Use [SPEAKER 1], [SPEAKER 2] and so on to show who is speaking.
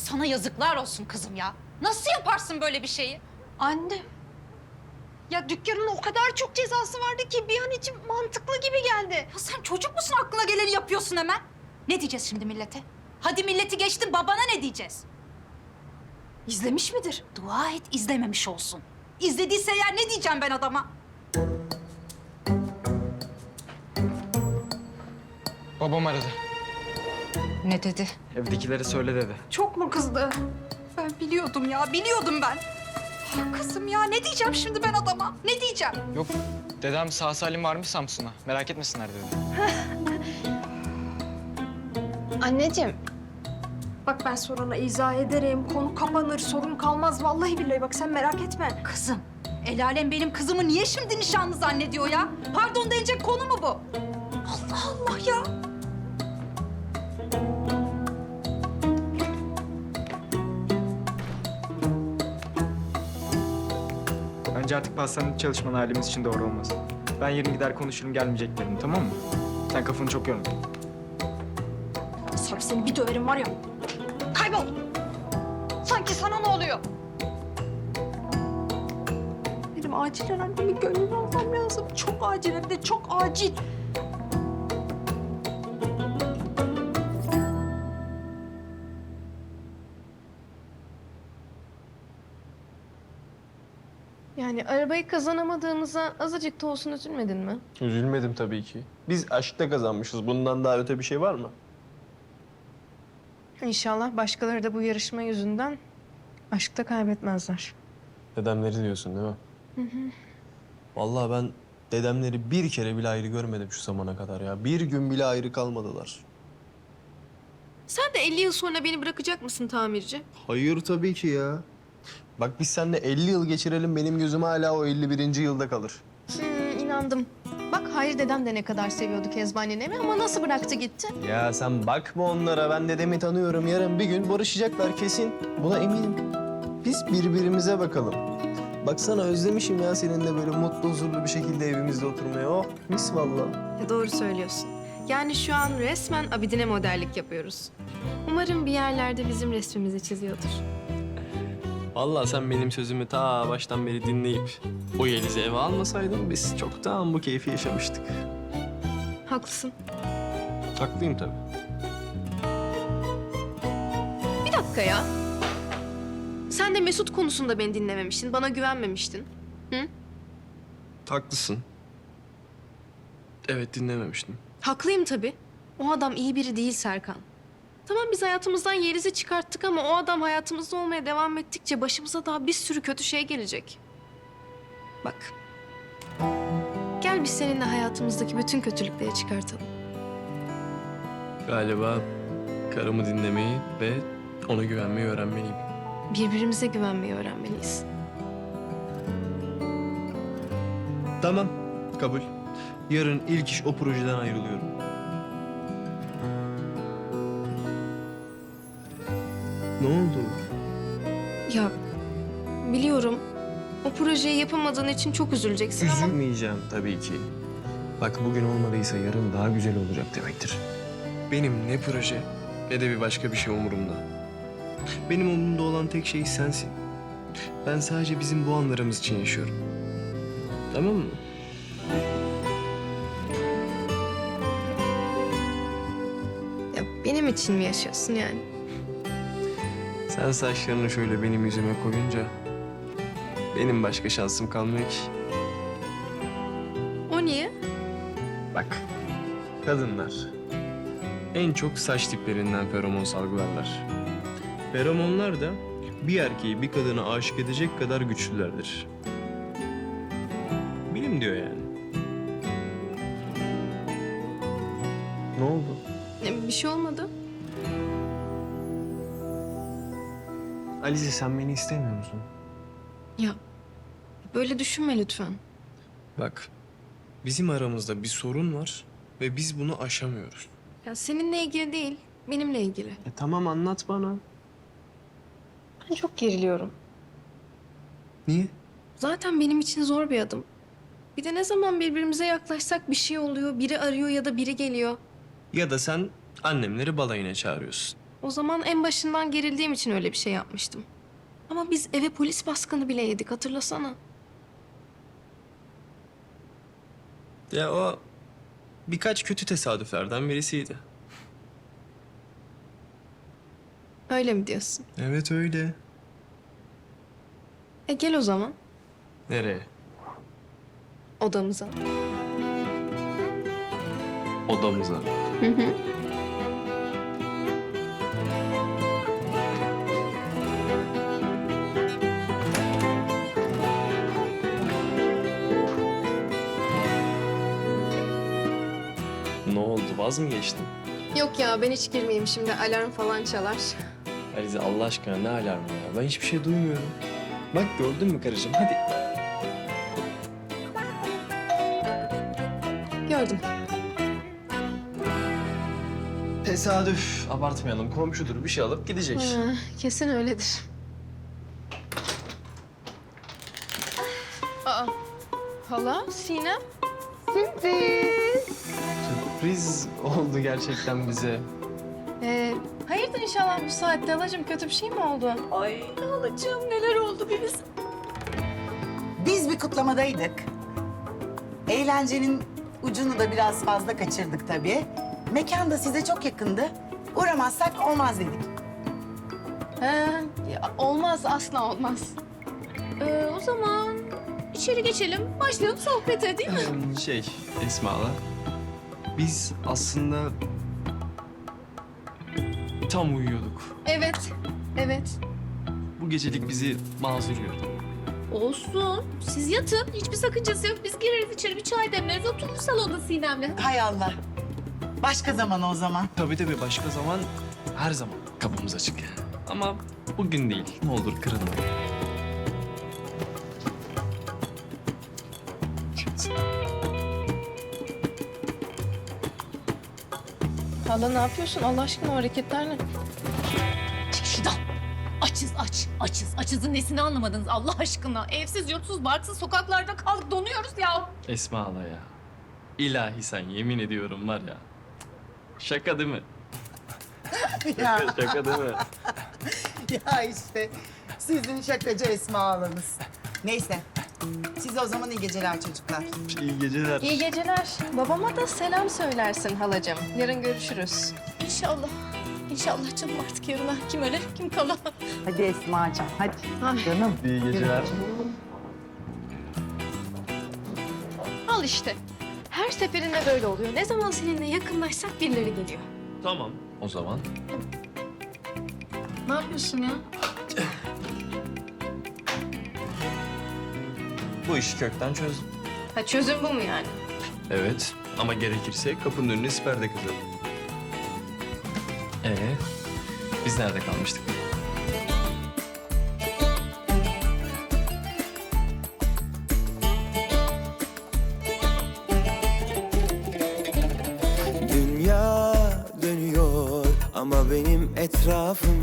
[SPEAKER 1] Sana yazıklar olsun kızım ya. Nasıl yaparsın böyle bir şeyi?
[SPEAKER 2] Anne. Ya dükkanın o kadar çok cezası vardı ki bir an için mantıklı gibi geldi.
[SPEAKER 1] Ya sen çocuk musun, aklına geleni yapıyorsun hemen? Ne diyeceğiz şimdi millete? Hadi milleti geçtim, babana ne diyeceğiz? İzlemiş midir? Dua et izlememiş olsun. İzlediyse eğer ne diyeceğim ben adama?
[SPEAKER 3] Babam aradı.
[SPEAKER 1] Ne dedi?
[SPEAKER 3] Evdekileri söyle dedi.
[SPEAKER 1] Çok mu kızdı? Ben biliyordum ya, biliyordum ben. Ah kızım ya, ne diyeceğim şimdi ben adama? Ne diyeceğim?
[SPEAKER 3] Yok, dedem sağ salim varmış Samsun'a. Merak etmesinler dedi.
[SPEAKER 2] Anneciğim.
[SPEAKER 4] Bak ben sonra izah ederim. Konu kapanır, sorun kalmaz. Vallahi billahi bak sen merak etme.
[SPEAKER 1] Kızım, el alem benim kızımı niye şimdi nişanlı zannediyor ya? Pardon denecek konu mu bu? Allah Allah ya.
[SPEAKER 3] Bence artık pastanede çalışman ailemiz için doğru olmaz. Ben yarın gider konuşurum gelmeyeceklerini, tamam mı? Sen kafanı çok yorma.
[SPEAKER 4] Sarp seni bir döverim var ya.
[SPEAKER 2] Kaybol. Sanki sana ne oluyor?
[SPEAKER 4] Benim acilen annemin gönlünü almam lazım. Çok acil hem de çok acil.
[SPEAKER 5] Yani arabayı kazanamadığımıza azıcık da olsun üzülmedin mi?
[SPEAKER 6] Üzülmedim tabii ki. Biz aşkta kazanmışız. Bundan daha öte bir şey var mı?
[SPEAKER 5] İnşallah başkaları da bu yarışma yüzünden aşkta kaybetmezler.
[SPEAKER 6] Dedemleri diyorsun değil mi? Vallahi ben dedemleri bir kere bile ayrı görmedim şu zamana kadar ya. Bir gün bile ayrı kalmadılar.
[SPEAKER 5] Sen de 50 yıl sonra beni bırakacak mısın tamirci?
[SPEAKER 6] Hayır tabii ki ya. Bak biz seninle 50 yıl geçirelim, benim gözüm hala o 51. yılda kalır.
[SPEAKER 5] İnandım. Bak Hayri dedem de ne kadar seviyordu Kezban nenemi ama nasıl bıraktı gitti?
[SPEAKER 6] Ya sen bakma onlara, ben dedemi tanıyorum. Yarın bir gün barışacaklar kesin. Buna eminim. Biz birbirimize bakalım. Baksana özlemişim ya seninle böyle mutlu, huzurlu bir şekilde evimizde oturmaya. Oh mis vallahi.
[SPEAKER 5] Doğru söylüyorsun. Yani şu an resmen Abidine modellik yapıyoruz. Umarım bir yerlerde bizim resmimizi çiziyordur.
[SPEAKER 6] Vallahi sen benim sözümü ta baştan beri dinleyip o Yeliz'i eve almasaydın biz çoktan bu keyfi yaşamıştık.
[SPEAKER 5] Haklısın.
[SPEAKER 6] Haklıyım tabii.
[SPEAKER 5] Bir dakika ya. Sen de Mesut konusunda beni dinlememiştin, bana güvenmemiştin.
[SPEAKER 6] Haklısın. Evet dinlememiştim.
[SPEAKER 5] Haklıyım tabii. O adam iyi biri değil Serkan. Tamam biz hayatımızdan Yeliz'i çıkarttık ama o adam hayatımızda olmaya devam ettikçe başımıza daha bir sürü kötü şey gelecek. Bak. Gel biz seninle hayatımızdaki bütün kötülükleri çıkartalım.
[SPEAKER 6] Galiba karımı dinlemeyi ve ona güvenmeyi öğrenmeliyim.
[SPEAKER 5] Birbirimize güvenmeyi öğrenmeliyiz.
[SPEAKER 6] Tamam, kabul. Yarın ilk iş o projeden ayrılıyorum. Ne oldu?
[SPEAKER 5] Ya biliyorum o projeyi yapamadığın için çok üzüleceksin ama...
[SPEAKER 6] Üzülmeyeceğim tabii ki. Bak bugün olmadıysa yarın daha güzel olacak demektir. Benim ne proje ne de bir başka bir şey umurumda. Benim umurumda olan tek şey sensin. Ben sadece bizim bu anlarımız için yaşıyorum. Tamam mı?
[SPEAKER 5] Ya benim için mi yaşıyorsun yani?
[SPEAKER 6] Sen saçlarını şöyle benim yüzüme koyunca benim başka şansım kalmıyor ki.
[SPEAKER 5] O niye?
[SPEAKER 6] Bak, kadınlar en çok saç tiplerinden feromon salgılarlar. Feromonlar da bir erkeği bir kadına aşık edecek kadar güçlülerdir. Bilim diyor yani. Ne oldu?
[SPEAKER 5] Bir şey olmadı.
[SPEAKER 6] Alize sen beni istemiyor musun?
[SPEAKER 5] Ya böyle düşünme lütfen.
[SPEAKER 6] Bak, bizim aramızda bir sorun var ve biz bunu aşamıyoruz.
[SPEAKER 5] Ya seninle ilgili değil, benimle ilgili.
[SPEAKER 6] Tamam anlat bana.
[SPEAKER 5] Ben çok geriliyorum.
[SPEAKER 6] Niye?
[SPEAKER 5] Zaten benim için zor bir adım. Bir de ne zaman birbirimize yaklaşsak bir şey oluyor, biri arıyor ya da biri geliyor.
[SPEAKER 6] Ya da sen annemleri balayına çağırıyorsun.
[SPEAKER 5] O zaman en başından gerildiğim için öyle bir şey yapmıştım. Ama biz eve polis baskını bile yedik, hatırlasana.
[SPEAKER 6] Ya o birkaç kötü tesadüflerden birisiydi.
[SPEAKER 5] Öyle mi diyorsun?
[SPEAKER 6] Evet öyle.
[SPEAKER 5] Gel o zaman
[SPEAKER 6] Nereye?
[SPEAKER 5] odamıza.
[SPEAKER 6] Odamıza.
[SPEAKER 5] Hı hı.
[SPEAKER 6] Ne oldu? Vaz mı geçtin?
[SPEAKER 5] Yok ya, ben hiç girmeyeyim şimdi, alarm falan çalar.
[SPEAKER 6] Alize Allah aşkına ne alarmı ya? Ben hiçbir şey duymuyorum. Bak gördün mü karıcığım? Hadi.
[SPEAKER 5] Gördüm.
[SPEAKER 6] Tesadüf. Abartmayalım. Komşudur bir şey alıp gidecek.
[SPEAKER 5] Kesin öyledir. Aa, hala, Sinem.
[SPEAKER 6] Sürpriz oldu gerçekten bize.
[SPEAKER 5] Hayırdır inşallah bu saatte halacığım, kötü bir şey mi oldu?
[SPEAKER 1] Ay halacığım neler oldu bir bilsin.
[SPEAKER 7] Biz bir kutlamadaydık. Eğlencenin ucunu da biraz fazla kaçırdık tabii. Mekan da size çok yakındı. Uğramazsak olmaz dedik.
[SPEAKER 5] Olmaz, asla olmaz. O zaman içeri geçelim, başlayalım sohbete değil mi?
[SPEAKER 6] Esma'la. Biz aslında tam uyuyorduk.
[SPEAKER 5] Evet, evet.
[SPEAKER 6] Bu gecelik bizi mazur gör.
[SPEAKER 8] Olsun. Siz yatın. Hiçbir sakıncası yok. Biz gireriz içeri bir çay demleriz. Otururuz salonda Sinem'le.
[SPEAKER 7] Hay Allah. Başka zaman o zaman.
[SPEAKER 6] Tabii başka zaman her zaman kapımız açık yani. Ama bugün değil. Ne olur kırılma.
[SPEAKER 5] Hala ne yapıyorsun? Allah aşkına o hareketler ne?
[SPEAKER 8] Çık şuradan. Açızın nesini anlamadınız Allah aşkına. Evsiz, yurtsuz, barksız sokaklarda kaldık. Donuyoruz ya.
[SPEAKER 6] Esma hala ya. İlahi sen yemin ediyorum var ya. Şaka değil mi?
[SPEAKER 7] Ya,
[SPEAKER 6] Şaka değil mi?
[SPEAKER 7] ya işte sizin şakacı Esma ağlanız. Neyse. Size o zaman iyi geceler çocuklar.
[SPEAKER 6] İyi geceler.
[SPEAKER 5] İyi geceler. Babama da selam söylersin halacığım. Yarın görüşürüz.
[SPEAKER 8] İnşallah. İnşallah canım artık yarına. Kim ölür kim kalır.
[SPEAKER 7] Hadi Esma'cığım hadi. Canım.
[SPEAKER 6] İyi geceler.
[SPEAKER 5] Al işte. Her seferinde böyle oluyor. Ne zaman seninle yakınlaşsak birileri geliyor.
[SPEAKER 6] Tamam o zaman.
[SPEAKER 5] Ne yapıyorsun ya?
[SPEAKER 6] Bu işi kökten çözdüm.
[SPEAKER 5] Ha, çözüm bu mu yani?
[SPEAKER 6] Evet ama gerekirse kapının önüne siper de kazalım. Biz nerede kalmıştık?
[SPEAKER 9] Dünya dönüyor ama benim etrafım